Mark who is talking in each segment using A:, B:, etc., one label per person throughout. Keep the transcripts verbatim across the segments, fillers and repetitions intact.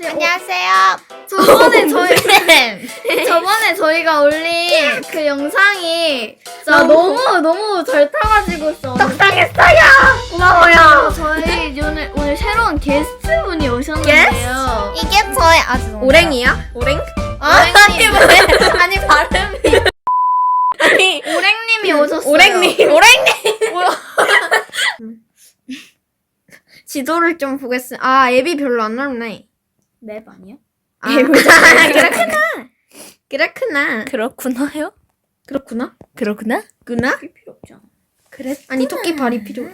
A: 안녕하세요.
B: 안녕하세요.
A: 저번에 저희 저번에 저희가 올린 그 영상이 진짜
B: 너무-
A: 너무 너무 잘 타가지고 써.
B: 떡상했어요. 고마워요.
A: 저희 오늘 오늘 새로운 게스트 분이 오셨는데요.
B: 이게 저의 아주 너무
C: 오랭이야? 오랭?
B: 아니
A: 오랭님.
B: 왜? 아니 발음이
C: 아니
A: 오랭님이 오셨어요.
C: 오랭님 오랭님
B: 지도를 좀 보겠습니다. 아 앱이 별로 안 넓네.
A: 맵 아니야?
B: 아 그렇구나. 그렇구나.
C: 그렇구나요?
B: 그렇구나.
C: 그렇구나?
B: 구나?
A: 필요 없잖아.
B: 그랬. 아니 토끼 발이 필요해.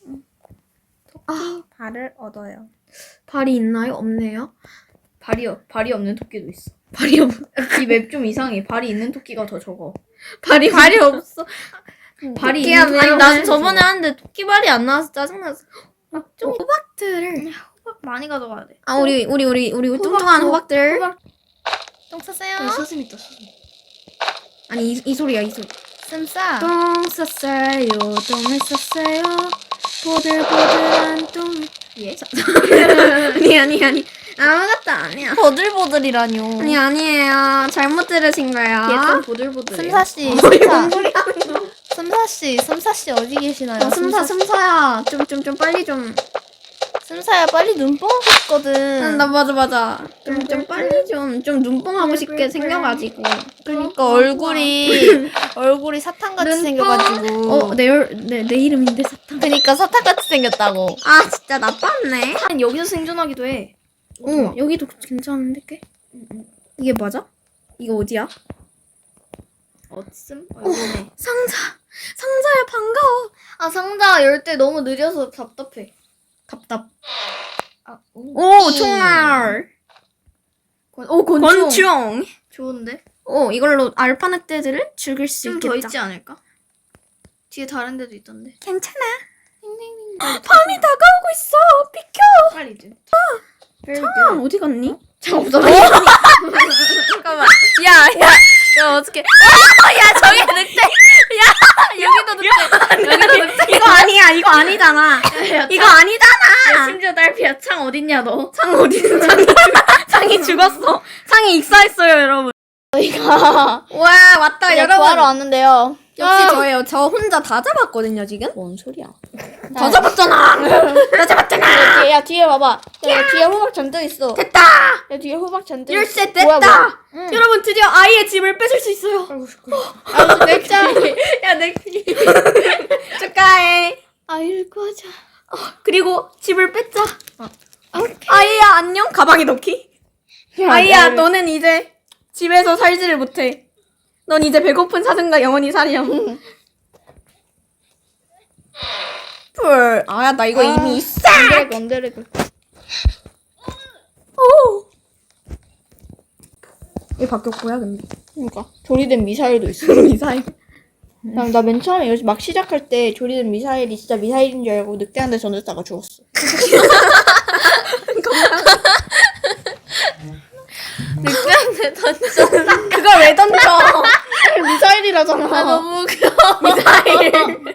C: 토끼 발을 얻어요.
B: 발이 있나요? 없네요.
A: 발이 없- 발이 없는 토끼도 있어.
B: 발이 없.
A: 이 맵 좀 이상해. 발이 있는 토끼가 더 적어.
B: 발이 발이 없어.
A: 발이
B: 토끼야,
A: 있는
B: 왜
A: 토끼가
B: 난
A: 더
B: 저번에
A: 적어.
B: 하는데 토끼 발이 안 나와서 짜증났어. 좀 호박들을.
A: 호박 많이 가져가야 돼.
B: 아 우리 우리 우리 우리 뚱뚱한 호박들.
A: 호박.
B: 똥 쌌어요?
A: 네, 서슴 있다. 서슴.
B: 아니 이, 이 소리야 이 소리.
A: 쌈싸.
B: 똥 쌌어요. 똥을 쌌어요. 보들보들한 똥.
A: 예?
B: 아니 아니 아니 아무것도 아니야.
C: 보들보들이라뇨.
B: 아니 아니에요. 잘못 들으신 거예요.
A: 얘좀 보들보들.
C: 슴사씨,
B: 뭔
C: 슴사.
B: 소리 하는 거?
C: 슴사씨, 슴사씨 어디 계시나요?
B: 어, 슴사 슴사야. 좀 좀 좀 빨리 좀.
C: 슴사야 빨리 눈뽕 하고 싶거든.
B: 나 맞아 맞아. 좀 좀 빨리 좀 좀 눈뽕하고 싶게 생겨가지고.
C: 그러니까 얼굴이 얼굴이 사탕같이
B: 눈뽕.
C: 생겨가지고.
B: 어, 내, 내, 내 이름인데 사탕.
C: 그러니까 사탕같이 생겼다고.
B: 아, 진짜 나빴네.
A: 여기서 생존하기도 해.
B: 어, 여기도 괜찮은데, 꽤? 이게 맞아? 이거 어디야?
A: 어딨음? 어, 여기네.
B: 상자. 상자야, 반가워.
A: 아 상자 열 때 너무 느려서 답답해.
B: 답답.
A: 아,
B: 오, 총알.
A: 권, 오 권총.
B: 권총.
A: 좋은데?
B: 오, 이걸로 알파 늑대들을 죽일 수
A: 좀 더
B: 있겠다.
A: 있지 않을까? 뒤에 다른 데도 있던데.
B: 괜찮아.
A: 빨리
B: 밤이 다가오고 있어. 비켜.
A: 빨리 이제.
B: 아, 어디 갔니?
A: 장 없어.
C: 잠깐만. 야, 야, 야 어떻게? 어, 야 저기 늑대. 야 여기도 늑대. 여기도 늑대.
B: 이거 아니야. 이거 아니잖아. 이거 아니잖아.
A: 심지어 딸피야. 창 어딨냐 너?
B: 창 어디 있는 창이? 창이 죽었어. 창이 익사했어요, 여러분.
A: 저희가
B: 와, 왔다,
A: 여러분
B: 여러분.
A: 구하러 왔는데요.
B: 역시
A: 아.
B: 저예요. 저 혼자 다 잡았거든요, 지금.
C: 뭔 소리야?
B: 다 잡았잖아. 다 잡았잖아.
A: 뒤에, 야 뒤에 봐봐. 야, 뒤에 호박 잔뜩 있어.
B: 됐다.
A: 야 뒤에 호박 잔뜩.
B: 열쇠
A: 있어.
B: 됐다.
A: 뭐야, 뭐야. 응.
B: 여러분 드디어 아이의 집을 뺏을 수 있어요.
A: 아 넥자.
B: 야, 내 축하해.
A: 아이를 구하자.
B: 그리고 집을 뺏자.
A: 아, 오케이.
B: 아이야, 안녕. 가방에 넣기. 아이야, 너는 이제 집에서 살지를 못해. 넌 이제 배고픈 사슴과 영원히 살렴. 뿔. 아, 나 이거
A: 아,
B: 이미 있어.
A: 언데레그 언데레그.
B: 오. 얘 바뀌었고요, 근데.
A: 그러니까 조리된 미사일도 있어.
B: 미사일.
A: 나 맨 처음에 여기 막 시작할 때 조리된 미사일이 진짜 미사일인 줄 알고 늑대한테 던졌다가 죽었어.
C: 늑대한테 던져.
B: 그걸 왜 던져?
A: 미사일이라잖아.
C: 아 너무 웃겨.
B: 미사일.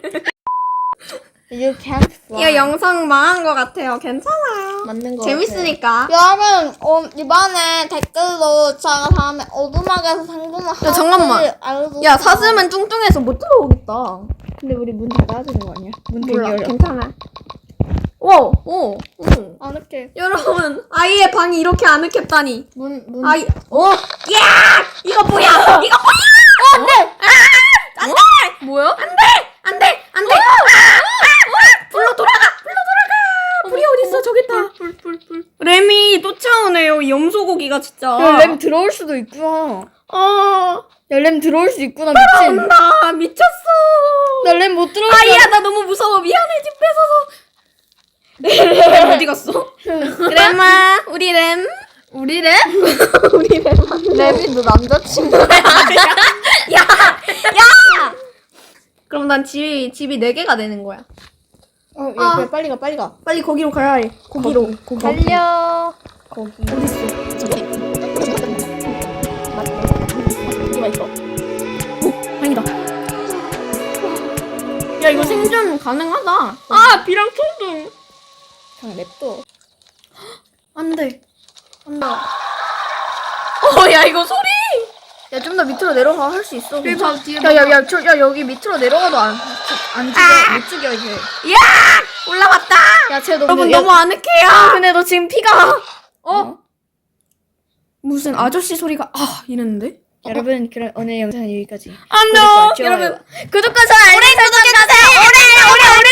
A: You can't fly.
B: 이거 영상 망한 것 같아요. 괜찮아요.
A: 맞는 거
B: 재밌으니까.
A: 여러분 어, 이번에 댓글로 제가 다음에 어둠막에서 상금을
B: 야, 잠깐만.
A: 알고
B: 야, 사슴은 뚱뚱해서 못 들어오겠다.
A: 근데 우리 문 닫아야 되는 거 아니야? 문 되게
B: 몰라.
A: 열려.
B: 괜찮아. 오, 오, 오.
A: 아늑해.
B: 여러분, 아이의 방이 이렇게 아늑했다니.
A: 문 문.
B: 아이, 오, 야! 이거 뭐야? 이거 뭐야? 어, 안 돼! 아! 안 돼!
C: 뭐야?
B: 안 돼! 안 돼! 안 돼! 아! 아! 불로 돌아가! 불로 돌아가! 불이 어딨어? 저기 있다.
A: 불 불 불.
B: 램이 쫓아오네요. 이 염소고기가 진짜.
A: 야, 램 들어올 수도 있구나.
B: 어,
A: 야, 램 들어올 수 있구나, 미친.
B: 온다. 미쳤어.
A: 나 램 못 들어올
B: 아이야, 나 너무 무서워. 미안해, 집 뺏어서. 램 어디 갔어? 램아, 우리 램.
A: 우리 램?
B: 우리 램.
A: 램이 너 남자친구야?
B: 야, 야. 그럼 난 집이 집이 네 개가 되는 거야.
A: 어, 야,
B: 아.
A: 그래, 빨리 가, 빨리 가.
B: 빨리 거기로 가야 해. 거기로. 거기.
C: 달려.
A: 거기.
B: 어디 있어? 저기.
A: 여기가 있어.
B: 아니다. 야, 이거 생존 가능하다. 아, 비랑 초등.
A: 그냥 냅둬.
B: 안 돼. 어, 야, 이거 소리!
A: 야, 좀 더 밑으로 내려가 할 수 있어.
C: 여기 봐, 뒤에
A: 야, 야, 야, 저, 야, 여기 밑으로 내려가도 안, 안 죽여, 못 죽여, 이제.
B: 야! 올라왔다!
A: 야, 쟤 너,
B: 여러분,
A: 근데, 야,
B: 너무 아늑해요.
A: 근데 너 지금 피가.
B: 어? 무슨 아저씨 소리가, 아, 이랬는데?
A: 여러분, 그럼 오늘 영상은 여기까지.
B: 안 돼!
A: 구독과 좋아요.
B: 여러분,
A: 구독과 좋아요, 알림 설정해주세요. 오래, 오래, 오래.